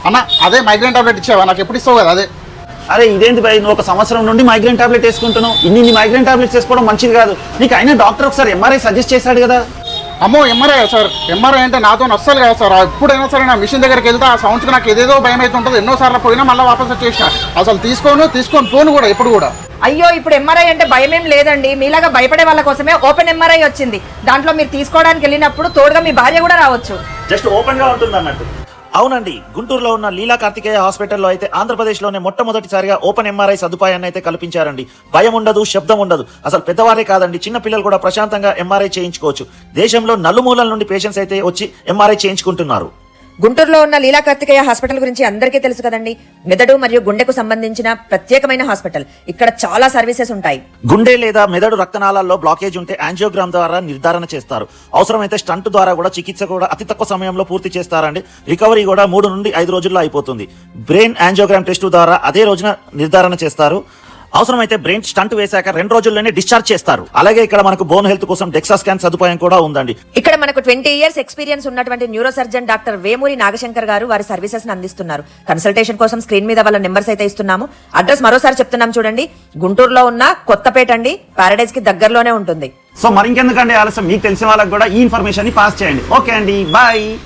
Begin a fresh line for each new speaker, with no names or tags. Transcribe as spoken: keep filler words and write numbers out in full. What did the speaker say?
అన్న అదే migraine tablet ఇచ్చావా? నాకు ఎప్పుడు ఇస్తావు కదా అదే.
అరే ఇదేంటి భయ్, నువ్వు ఒక సంవత్సరం నుండి మైగ్రేన్ టాబ్లెట్ వేసుకుంటున్నావు. ఇన్ని ఇన్ని మైగ్రేన్ టాబ్లెట్స్ వేసుకోవడం మంచిది కాదు. నీకు అయినా డాక్టర్ ఒకసారి ఎంఆర్ఐ సజెస్ట్ చేశాడు కదా.
అమ్మో ఎంఆర్ఐ సార్, ఎంఆర్ఐ అంటే నాతో వస్తుంది కదా సార్. ఎప్పుడైనా సరే నా మిషన్ దగ్గరికి వెళ్తే ఆ సౌండ్స్కి నాకు ఏదేదో భయం అయితే ఉంటుంది. ఎన్నోసార్లు పోయినా మళ్ళీ వాపస్ వచ్చేసిన. అసలు తీసుకోను తీసుకొని ఫోన్ కూడా ఎప్పుడు కూడా.
అయ్యో ఇప్పుడు ఎంఆర్ఐ అంటే భయం ఏం లేదండి. మీలాగా భయపడే వాళ్ళ కోసమే ఓపెన్ ఎంఆర్ఐ వచ్చింది. దాంట్లో మీరు తీసుకోవడానికి వెళ్ళినప్పుడు తోడుగా మీ భార్య కూడా రావచ్చు.
జస్ట్ ఓపెన్ గా ఉంటుంది అన్నట్టు. అవునండి, గుంటూరులో ఉన్న లీలా కార్తికేయ హాస్పిటల్లో అయితే ఆంధ్రప్రదేశ్లోనే మొట్టమొదటిసారిగా ఓపెన్ ఎంఆర్ఐ సదుపాయాన్ని అయితే కల్పించారండి. భయం ఉండదు, శబ్దం ఉండదు. అసలు పెద్దవారే కాదండి, చిన్న పిల్లలు కూడా ప్రశాంతంగా ఎంఆర్ఐ చేయించుకోవచ్చు. దేశంలో నలుమూలల నుండి పేషెంట్స్ అయితే వచ్చి ఎంఆర్ఐ చేయించుకుంటున్నారు.
గుంటూరులో ఉన్న లీలా కార్తికేయ హాస్పిటల్ గురించి అందరికీ తెలుసు కదండి. మెదడు మరియు గుండెకు సంబంధించిన ప్రత్యేకమైన హాస్పిటల్. ఇక్కడ చాలా సర్వీసెస్ ఉంటాయి.
గుండె లేదా మెదడు రక్తనాళాల్లో బ్లాకేజ్ ఉంటే యాంజియోగ్రామ్ ద్వారా నిర్ధారణ చేస్తారు. అవసరమైతే స్టంట్ ద్వారా కూడా చికిత్స కూడా అతి తక్కువ సమయంలో పూర్తి చేస్తారండి. రికవరీ కూడా మూడు నుండి ఐదు రోజుల్లో అయిపోతుంది. బ్రెయిన్ యాంజియోగ్రామ్ టెస్ట్ ద్వారా అదే రోజున నిర్ధారణ చేస్తారు. అవసరమైతే బ్రెయిన్ స్టంట్ వేశాక రెండు రోజుల్లోనే డిశ్చార్జ్ చేస్తారు. అలాగే ఇక్కడ మనకు బోన్ హెల్త్ కోసం డెక్సా స్కాన్ సదుపాయం కూడా ఉందండి.
ఇక్కడ మనకు ట్వంటీ ఇయర్స్ ఎక్స్పీరియన్స్ ఉన్నటువంటి neuro surgeon doctor Vemuri Nagashankar గారు వారి సర్వీసెస్ అందిస్తున్నారు. కన్సల్టేషన్ కోసం స్క్రీన్ మీద వాళ్ళ నెంబర్స్ అయితే ఇస్తున్నాము. అడ్రస్ మరోసారి చెప్తున్నాం చూడండి. గుంటూరులో ఉన్న కొత్తపేట అండి, పారడైజ్ కి దగ్గరలోనే ఉంటుంది.
సో మరి ఇంకెందుకండి ఆలస్యం, మీకు తెలిసిన వాళ్ళకి కూడా ఈ ఇన్ఫర్మేషన్ ని పాస్ చేయండి. ఓకే అండి, బాయ్.